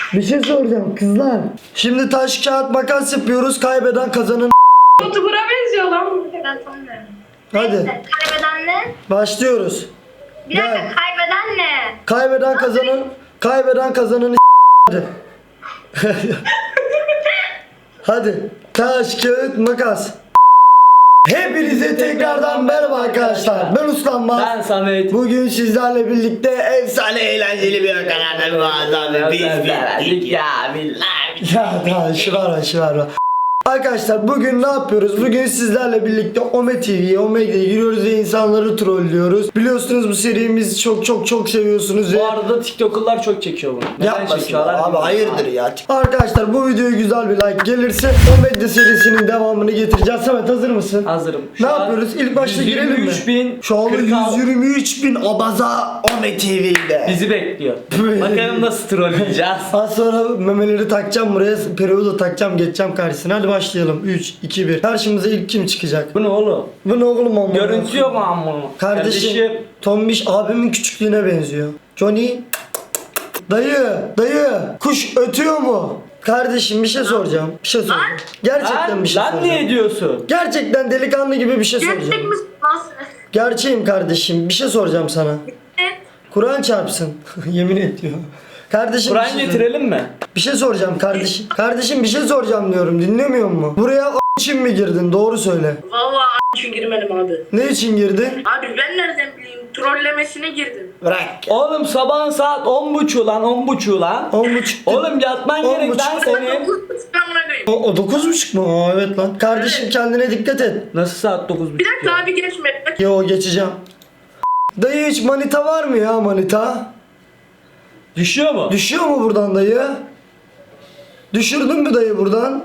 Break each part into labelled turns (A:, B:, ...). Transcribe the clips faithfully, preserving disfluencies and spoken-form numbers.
A: Bir şey soracağım kızlar. Şimdi taş kağıt makas yapıyoruz. Kaybeden kazanın.
B: YouTuber'a benziyor lan.
C: Ben tanımıyorum.
A: Hadi.
C: Neyse, kaybeden ne?
A: Başlıyoruz.
C: Bir dakika,
A: Gel.
C: kaybeden ne?
A: Kaybeden kazanın. Kaybeden kazanın. Hadi. Hadi. Taş kağıt makas. Hepinize tekrardan merhaba arkadaşlar. Ben Uslanmaz.
D: Ben Samet.
A: Bugün sizlerle birlikte efsane eğlenceli bir kanalda muazzam biz bittik ya.
D: ya billahi.
A: Ya daha şu var şu var. Arkadaşlar bugün ne yapıyoruz? Bugün sizlerle birlikte Ome T V'ye, Ome'ye giriyoruz ve insanları trollüyoruz. Biliyorsunuz bu serimizi çok çok çok seviyorsunuz ve...
D: Bu arada TikTok'lar çok çekiyor bunu. Neden
A: Yapmasın
D: çekiyorlar?
A: abi,
D: bilmiyorum.
A: hayırdır ya. Arkadaşlar bu videoya güzel bir like gelirse Ome'de serisinin devamını getireceğiz. Samet hazır mısın?
D: Hazırım.
A: Ne yapıyoruz? İlk başta girelim mi?
D: yüz yirmi üç bin.
A: Şu anda
D: kırk altı
A: yüz yirmi üç bin abaza Ome T V'de.
D: bizi bekliyor. Bakalım nasıl trolleyeceğiz.
A: Az sonra memeleri takacağım buraya, periyodu takacağım, geçeceğim karşısına. Hadi başlayalım. üç, iki, bir. Karşımıza ilk kim çıkacak?
D: Bu ne oğlum?
A: Bu ne oğlum amma?
D: Görüntü yok mu amma?
A: Kardeşim, Tombiş abimin küçüklüğüne benziyor. Johnny. Dayı, dayı. Kuş ötüyor mu? Kardeşim bir şey soracağım. Bir şey soracağım. Gerçekten
D: Lan,
A: bir şey
D: lan
A: soracağım.
D: niye diyorsun?
A: Gerçekten delikanlı gibi bir şey
C: Gerçek
A: soracağım.
C: misin? Nasıl?
A: Gerçeğim kardeşim. Bir şey soracağım sana.
C: Evet.
A: Kur'an çarpsın. Yemin ediyor. Kardeşim bir
D: Kur'an
A: şey-
D: getirelim mi?
A: Bir şey soracağım kardeşim. Kardeşim bir şey soracağım diyorum. Dinlemiyor mu? Buraya a- için mi girdin? Doğru söyle.
B: Vallahi a- için girmedim abi.
A: Ne için girdin?
B: Abi ben nereden bileyim? Trollemesine girdim.
A: Bırak.
D: Oğlum sabahın saat on buçuğu lan on buçuğu lan.
A: On buçuk.
D: Oğlum yatman
A: On
D: gerek lan
A: buçuk.
D: senin.
B: Amına koyayım.
A: O, o dokuz buçuk mu? Aa, evet lan. Kardeşim kendine dikkat et.
D: Nasıl saat dokuz buçuk?
B: Bir dakika abi geçme.
A: Yo geçeceğim. Dayı hiç manita var mı ya manita?
D: Düşüyor mu?
A: Düşüyor mu buradan dayı? Düşürdün mü dayı buradan?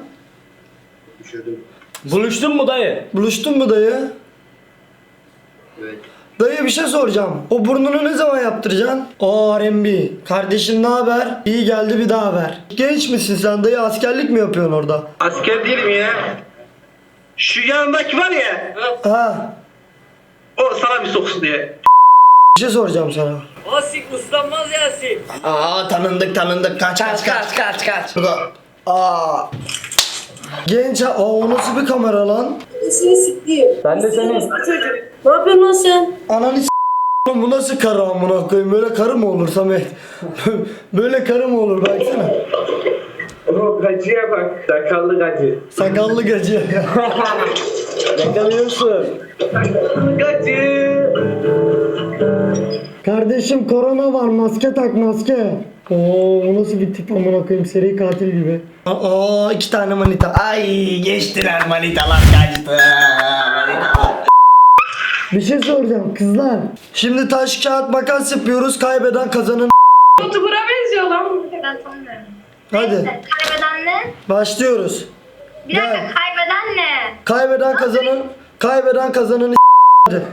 D: Buluştun mu dayı?
A: Buluştun mu dayı?
E: Evet.
A: Dayı bir şey soracağım. O burnunu ne zaman yaptıracaksın? O R and B. Kardeşim ne haber? İyi geldi bir daha ver. Genç misin sen dayı? Askerlik mi yapıyorsun orada?
E: Asker değilim ya. Şu yanındaki var ya,
A: Ha.
E: o sana bir soksun diye.
A: Bir şey soracağım sana.
F: Asik uslanmaz Yasin.
A: Aa tanındık tanındık. Kaç kaç kaç.
D: kaç kaç.
A: Burada. Aa. Genç ha. Aa o nasıl bir kamera lan?
B: Seni sikeyim.
D: Ben de senin.
B: Çocuk. Ne yapıyorsun lan sen?
A: Ananı s***. Bu nasıl karı amına koyayım? Böyle karı mı olur Samet? Böyle karı mı olur baksana.
E: O gacıya bak, sakallı gacı.
A: Sakallı gacı.
D: Yakalıyorsun.
E: Gacı.
A: Kardeşim korona var, maske tak maske. Oo bu nasıl bir tip amına koyayım, seri katil gibi. Aa iki tane manita. Ay geçtiler manitalar kaçtı. Manitalar. Bir şey soracağım kızlar. Şimdi taş kağıt makas yapıyoruz. Kaybeden kazanın.
B: YouTuber'a benziyor lan.
C: Ben tanımıyorum.
A: Hadi
C: Neyse, kaybeden ne?
A: başlıyoruz.
C: Bir dakika,
A: Gel.
C: kaybeden ne?
A: Kaybeden kazanın. Kaybeden kazanın. Hadi.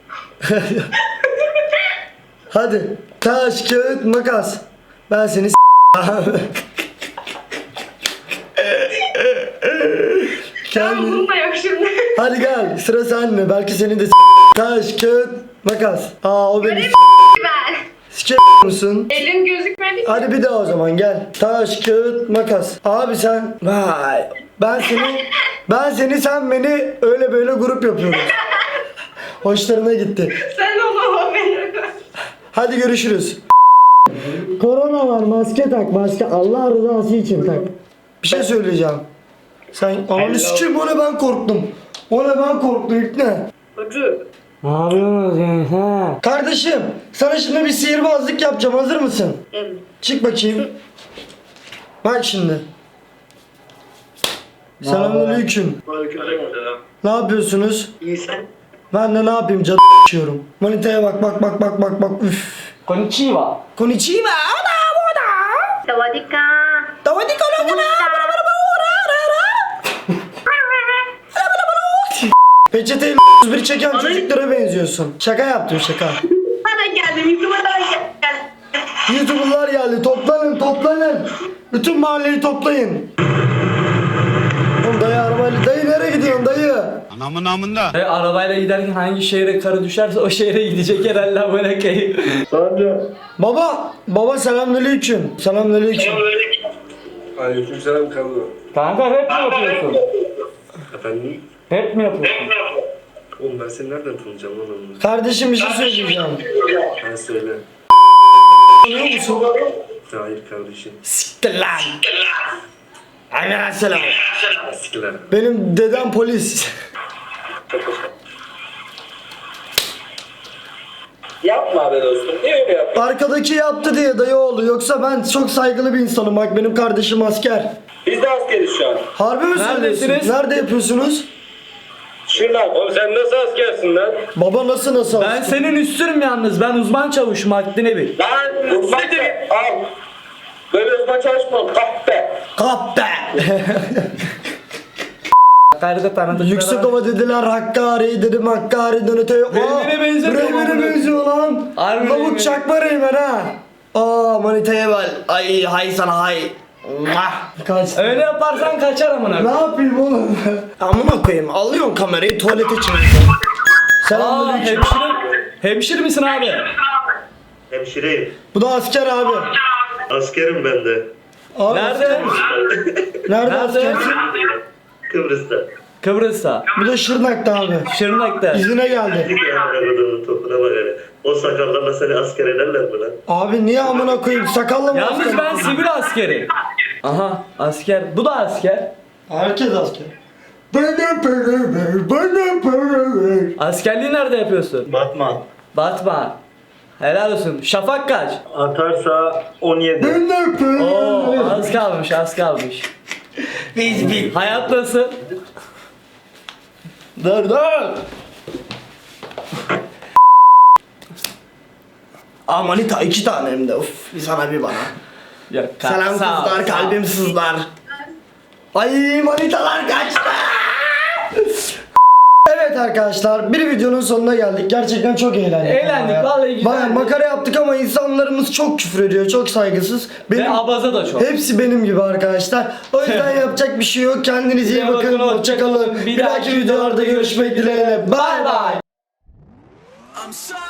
A: Hadi. Taş kağıt makas. Ben seni s-
B: Tamam
A: Kendi...
B: bununla yok şimdi.
A: Hadi gel sıra sende. Belki seni de s- taş kağıt makas. Aa o beni s-
C: Ben.
A: s- musun?
B: Elin gözükmedi ki.
A: Hadi bir daha o zaman gel. Taş kağıt makas. Abi sen vay. Ben seni ben seni sen beni öyle böyle grup yapıyoruz. Hoşlarına gitti.
B: Sen onu o benim.
A: Hadi görüşürüz. Korona var, maske tak maske. Allah rızası için tak. Bir şey söyleyeceğim. Sen ananı sikeyim, o ne ben korktum. O ne ben korktum ilk ne?
B: Çocuk.
D: Ne yapıyorsunuz yani ha?
A: Kardeşim sana şimdi bir sihirbazlık yapacağım, hazır mısın?
B: Evet.
A: Çık bakayım. Bak şimdi. Selamünaleyküm.
E: Aleykümselam.
A: Ne yapıyorsunuz?
E: İyi sen?
A: Ben de ne yapayım, cadı içiyorum. Manitaya bak bak bak bak bak bak üf.
D: Konnichiwa.
A: Konnichiwa.
C: Savadika.
A: Tavadi kolokana. Peçeteyle bir çeken çocuklara benziyorsun. Şaka yaptım şaka.
B: Bana geldim. YouTuber'a geldim.
A: YouTuber'lar geldi. Toplanın toplanın. Bütün mahalleyi toplayın. Oğlum dayı arabayla. Dayı nereye gidiyorsun dayı?
G: Anamın amında.
D: E, arabayla giderken hangi şehre karı düşerse o şehre gidecek herhalde amına koyayım.
E: Sonra.
A: Baba. Baba selamünaleyküm. Selamünaleyküm.
E: Aleykümselam Kardo.
D: Kanka rap mi yapıyorsun?
E: Efendim?
D: Rap mi yapıyorsun?
E: Oğlum ben seni nereden tanıyacağım lan onu?
A: Kardeşim bir şey söyleyeceğim.
E: Ben söyle.
A: Tanıyor musun?
E: Hayır kardeşim.
A: Siktir lan. Aleykümselam.
E: Eskiler.
A: Benim dedem polis.
F: Yapma be dostum. Niye öyle yapıyorsun?
A: Arkadaki yaptı diye dayı oğlu. Yoksa ben çok saygılı bir insanım. Bak benim kardeşim asker.
F: Biz de askeriz şu an.
A: Harbi mi
D: Neredesiniz?
A: söylüyorsun? Nerede yapıyorsunuz?
F: Şuradan.
E: Oğlum sen nasıl askersin lan?
A: Baba nasıl nasıl
D: Ben
A: asker?
D: senin üstünüm yalnız. Ben uzman çavuşum haddine bil.
F: Lan uzman al. Böyle uzman çalışmam. Kahpe.
A: Kahpe.
D: Hakkari'de tanıdıkları
A: Yüksek
D: var.
A: ova dediler Hakkari dedim Hakkari'den öteye.
D: Reymen'e benzemiyor mu
A: Reymen'e
D: bunu?
A: benziyor lan.
D: Harbi
A: Lavuk
D: Reymen'e.
A: çakma Reymen ha. Aa manitaya bel. Ay hay sana hay. Mwah. Kaç.
D: Öyle yaparsan kaçar amına.
A: Ne yapayım oğlum? Amına koyayım. Alıyorsun kamerayı tuvalete çeviriyorsun.
D: Aa
A: Selamünaleyküm.
D: hemşire. Hemşire misin abi?
E: Hemşireyim.
A: Bu da asker abi.
E: Askerim ben de.
A: Abi
D: Nerede?
A: asker misin? Nerede,
D: Nerede?
A: askersin?
E: Kıbrıs'ta.
D: Kıbrıs'ta.
A: Bu da Şırnak'ta abi.
D: Şırnak'ta.
A: İzine geldi.
E: Dik ya arabanın topuna bak hele. O sakallarla seni asker ederler mi lan?
A: Abi niye amına koyayım? Sakalla mı
D: Yalnız
A: asker?
D: ben sivil askeri. Aha asker. Bu da asker.
A: Herkes asker. Bana para ver, bana para ver.
D: Askerliği nerede yapıyorsun?
E: Batman.
D: Batman. Helal olsun. Şafak kaç?
E: Atarsa on yedi.
A: Bana para
D: Oo
A: ver.
D: az kalmış az kalmış.
A: Biz bir.
D: Hayat nasıl?
A: Dur dur. Aa manita iki tane hem de. Uf bir sana bir bana.
D: Ya, ka-
A: Selam
D: sağ ol,
A: kızlar,
D: sağ ol.
A: kalbim sızlar. Ay manitalar kaçtı. Evet arkadaşlar bir videonun sonuna geldik. Gerçekten çok eğlendik.
D: Eğlendik, vallahi güzeldi.
A: Bayağı makara yaptık ama insanlarımız çok küfür ediyor, çok saygısız.
D: Ve
A: Benim,
D: abaza da çok.
A: hepsi benim gibi arkadaşlar. O yüzden yapacak bir şey yok. Kendinize iyi
D: Size
A: bakın.
D: bakın,
A: Hoşçakalın.
D: hoşça kalın.
A: Bir dahaki videolarda görüşmek dileğiyle. Bye bye.
G: I'm sorry.